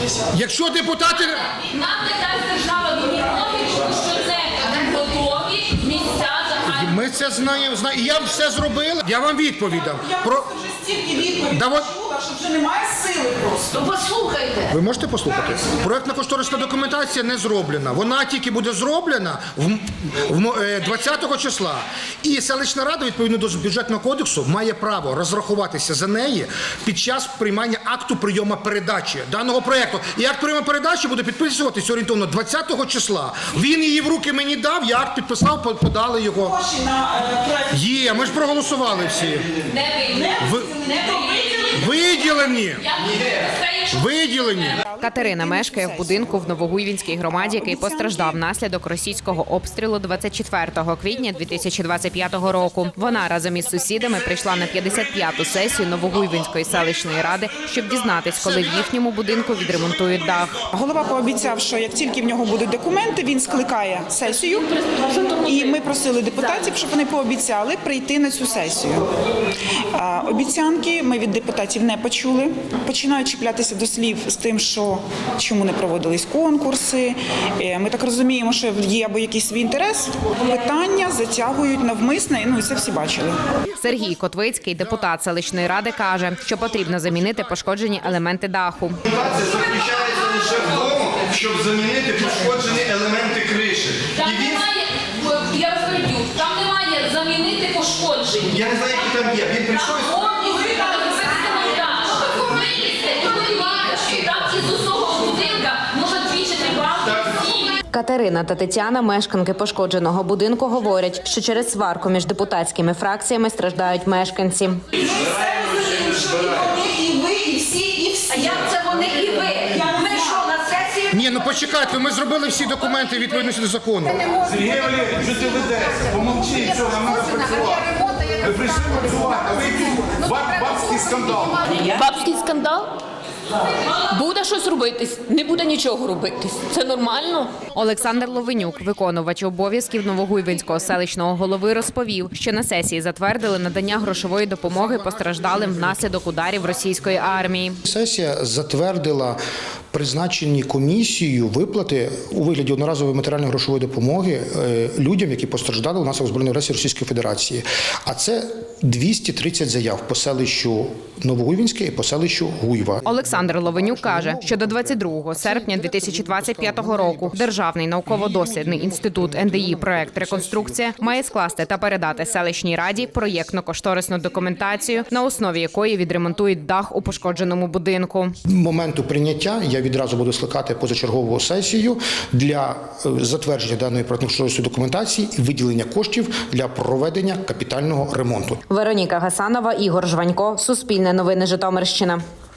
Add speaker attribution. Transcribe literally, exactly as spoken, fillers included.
Speaker 1: Якщо депутати...
Speaker 2: Нам не дасть держава допомоги, що це готові місця загальні.
Speaker 1: Ми це знаємо, знаємо. І я все зробила. Я вам відповідам.
Speaker 3: Я
Speaker 1: Про...
Speaker 3: просто вже стільки відповідей
Speaker 1: Да от-
Speaker 3: чула, що вже немає сили просто.
Speaker 2: Ну послухайте.
Speaker 1: Ви можете послухати? Проектно-кошторисна документація не зроблена. Вона тільки буде зроблена в, в, е, двадцятого числа. І селищна рада, відповідно до бюджетного кодексу, має право розрахуватися за неї під час приймання акту прийому передачі даного проєкту. І акт прийому передачі буде підписуватися орієнтовно двадцятого числа. Він її в руки мені дав, я акт підписав, по- подали його.
Speaker 3: Гроші на е, проект
Speaker 1: Є, ми ж проголосували всі.
Speaker 2: Не ви.
Speaker 1: Ви...
Speaker 2: Не ви.
Speaker 1: Виділені!
Speaker 2: Я не
Speaker 1: Виділені!
Speaker 4: Катерина мешкає в будинку в Новогуйвінській громаді, який постраждав внаслідок російського обстрілу двадцять четвертого квітня дві тисячі двадцять п'ятого року. Вона разом із сусідами прийшла на п'ятдесят п'яту сесію Новогуйвінської селищної ради, щоб дізнатись, коли в їхньому будинку відремонтують дах.
Speaker 3: Голова пообіцяв, що як тільки в нього будуть документи, він скликає сесію. І ми просили депутатів, щоб вони пообіцяли прийти на цю сесію. А, Обіцянки ми від депутатів не почули. Починають чіплятися до слів з тим, що чому не проводились конкурси. Е, Ми так розуміємо, що є або якийсь свій інтерес. Питання затягують навмисне, ну і це всі бачили.
Speaker 4: Сергій Котвицький, депутат селищної ради, каже, що потрібно замінити пошкоджені елементи даху.
Speaker 5: Це заключається лише в тому, щоб замінити пошкоджені елементи криші.
Speaker 2: Там
Speaker 5: І він,
Speaker 2: немає, я розповідю, там немає замінити пошкодження.
Speaker 5: я не знаю, які там є. Він прийшов і
Speaker 2: Там повністю розбити монтаж. Вилізти, і подивіться, що там із усього будинка може двічі балки всі.
Speaker 4: Катерина та Тетяна, мешканки пошкодженого будинку, говорять, що через сварку між депутатськими фракціями страждають мешканці.
Speaker 3: І вони, і ви, і всі, і всі.
Speaker 2: А як це вони і ви? Ми що, на сесії?
Speaker 1: Ні, ну почекайте, ми зробили всі документи відповідно до закону.
Speaker 5: Сергій Валерійович, що ти ведешся? Помовчи, що нам треба працювати. Ви прийшли працювати, а ви якийсь баб- бабський скандал.
Speaker 6: Бабський скандал? Буде щось робитись, не буде нічого робитись. Це нормально?
Speaker 4: Олександр Ловенюк, виконувач обов'язків Новогуйвинського селищного голови, розповів, що на сесії затвердили надання грошової допомоги постраждалим внаслідок ударів російської армії.
Speaker 1: Сесія затвердила призначені комісією виплати у вигляді одноразової матеріально-грошової допомоги е, людям, які постраждали внаслідок збройної агресії Російської Федерації. А це двісті тридцять заяв по селищу Новогуйвінське і по селищу Гуйва.
Speaker 4: Олександр Ловенюк каже, що до двадцять другого серпня дві тисячі двадцять п'ятого року Державний науково-дослідний інститут ен де і «Проект Реконструкція» має скласти та передати селищній раді проєктно-кошторисну документацію, на основі якої відремонтують дах у пошкодженому будинку.
Speaker 1: Моменту прийняття я відразу буду скликати позачергову сесію для е, затвердження даної проєктно-кошторисної документації і виділення коштів для проведення капітального ремонту.
Speaker 4: Вероніка Гасанова, Ігор Жванько, Суспільне новини Житомирщина.